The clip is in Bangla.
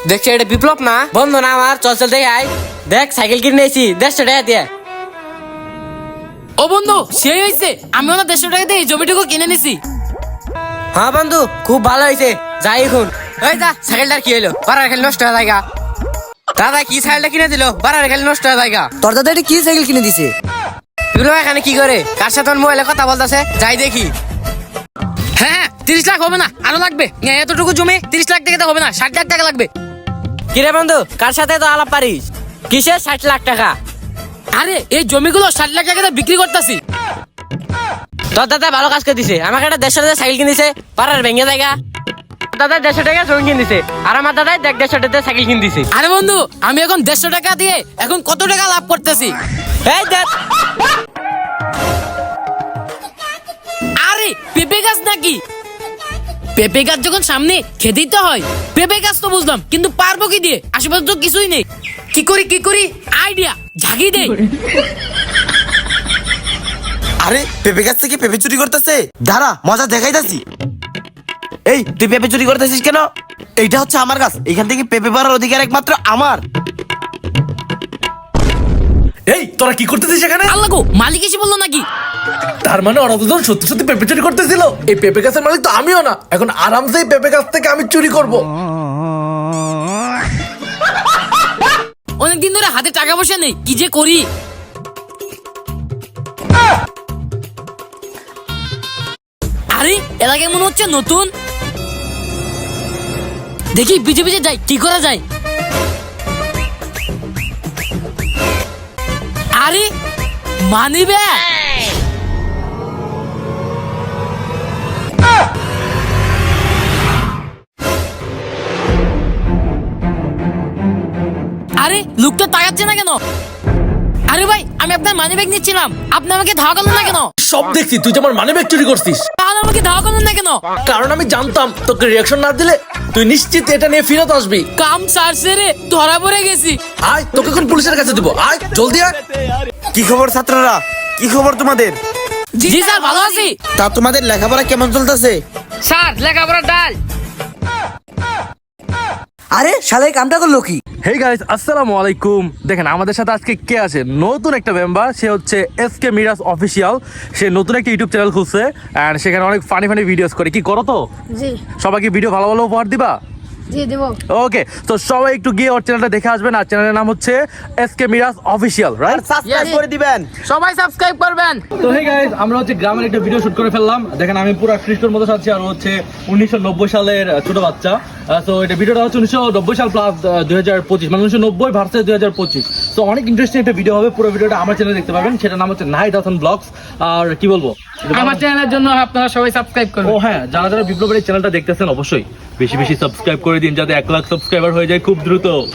দেখছি এটা বিপ্লব না বন্ধু না আমার, চল চল দেখ আয়। দেখ সাইকেল কিনে নিয়েছি 150 টাকা দিয়ে। ও বন্ধু সেই হয়েছে, আমি ওনার 150 টাকা দিয়ে এই জমিটুকু কিনে নিছি। হ্যাঁ বন্ধু খুব ভালো হয়েছে, যাই এখন। ওই যা সাইকেলটার কি হলো, বারার খালি নষ্ট হয়ে জায়গা। দাদা কি সাইকেলটা কিনে দিল, বারার খালি নষ্ট হয়ে জায়গা। তোর দাদা এটা কি সাইকেল কিনে দিছে? বিপ্লব এখানে কি করে, কার সাথে মোবাইলে কথা বলতেছে, যাই দেখি। হ্যাঁ 30 লাখ হবে না, আরো লাগবে। এতটুকু জমি 30 লাখ টাকা হবে না, 60 লাখ টাকা লাগবে। কিরে বন্ধু কার সাথে তো আলাপ পারিস, কিসের 60 লাখ টাকা? আরে এই জমিগুলো 60 লাখ টাকা দিয়ে বিক্রি করতেছি। তোর দাদা ভালো কাজ করে দিছে, আমাকে একটা 150 টাকা সাইকেল কিনে দিছে, পাড়ার ভেঙে জায়গা। দাদা 150 টাকা জমি কিনে দিছে, আর আমার দাদা দেখ 150 টাকা সাইকেল কিনে দিছে। আরে বন্ধু আমি এখন 150 টাকা দিয়ে এখন কত টাকা লাভ করতেছি। এই দেখ আরে পেঁপে গাছ নাকি? পেঁপে গাছ যখন সামনে খেতেই তো হয়। পেঁপে গাছ তো বুঝলাম, কিন্তু পারবো কি দিয়ে? আশেপাশে তো কিছুই নেই। কি করি আইডিয়া ঝাঁকি দেই। আরে পেঁপে গাছ থেকে পেঁপে চুরি করতেছে, দাঁড়া মজা দেখাইতাছি। এই তুই পেঁপে চুরি করতেছিস কেন? এইটা হচ্ছে আমার গাছ, এখান থেকে পেঁপে পাড়ার অধিকার একমাত্র আমার। এই তোরা কি করতেছিস এখানে? আল্লাহ গো, মালিক এসে বললো নাকি? তার মানে ওরা দুজন সত্যি সত্যি পেঁপে চুরি করতেছিল। এই পেঁপে গাছের মালিক তো আমিও না, এখন আরামসে এই পেঁপে গাছ থেকে আমি চুরি করব। অনেকদিন ধরে হাতে টাকা পয়সা নেই, কি যে করি। আরে এলাকায় মনে হচ্ছে নতুন, দেখি পিছে পিছে যাই, কি করা যায়। আরে মানি ব্যাগ। আরে লোকটা তাকাচ্ছে না কেন? আরে ভাই আমি আপনার মানি ব্যাগ নিচ্ছিলাম, আপনি আমাকে ধাওয়া করলেন না কেন? সব দেখছি তুই যে আমার মানি ব্যাগ চুরি করছিস, তাহলে আমাকে ধাওয়া করলেন না কেন? কারণ আমি জানতাম তোকে রিয়াকশন না দিলে তুই নিশ্চিত এটা নিয়ে ফেরত আসবি। কাম সারছে রে, ধরা পড়ে গেছি। আয় তোকে এখন পুলিশের কাছে দিব, আয় জলদি আয়। কি খবর ছাত্ররা, কি খবর তোমাদের? জি স্যার ভালো আছি। তা তোমাদের লেখাপড়া কেমন চলতেছে? স্যার লেখাপড়া ডাল। আরে শালা এই কামটা করলো কি? হেই গাইস আসসালামু আলাইকুম। দেখেন আমাদের সাথে আজকে কে আছে, নতুন একটা মেম্বার। সে হচ্ছে এসকে মিরাজ অফিসিয়াল। সে নতুন একটা ইউটিউব চ্যানেল খুলছে এন্ড সেখানে অনেক ফানি ভিডিওস করে। কি করো তো? জি সবাইকে ভিডিও ভালো ভালো উপহার দিবা? জি দেব। ওকে, তো সবাই একটু গিয়ে ওর চ্যানেলটা দেখে আসবেন। আর চ্যানেলের নাম হচ্ছে SK Miraj official, right? Subscribe করে দিবেন। সবাই সাবস্ক্রাইব করবেন। তো হেই গাইস, আমরা হচ্ছে গ্রামের একটা ভিডিও শুট করে ফেললাম। দেখেন আমি পুরো খ্রিস্টর মতো আছি, আর হচ্ছে 1990 সালের ছোট বাচ্চা। তো এটা ভিডিওটা হচ্ছে 1990 সাল প্লাস 2025, মানে 1990 ভার্সেস 2025। তো অনেক ইন্টারেস্টিং একটা ভিডিও হবে। পুরো ভিডিওটা আমার চ্যানেলে দেখতে পাবেন, সেটার নাম হচ্ছে নাইট হাসান ব্লগস। আর কি বলবো, আমার চ্যানেলের জন্য আপনারা সবাই সাবস্ক্রাইব করুন। ও হ্যাঁ, যারা যারা বিপ্লবের এই চ্যানেলটা দেখতেছেন অবশ্যই বেশি বেশি সাবস্ক্রাইব করে দিন, যাতে 1 লাখ সাবস্ক্রাইবার হয়ে যায় খুব দ্রুত।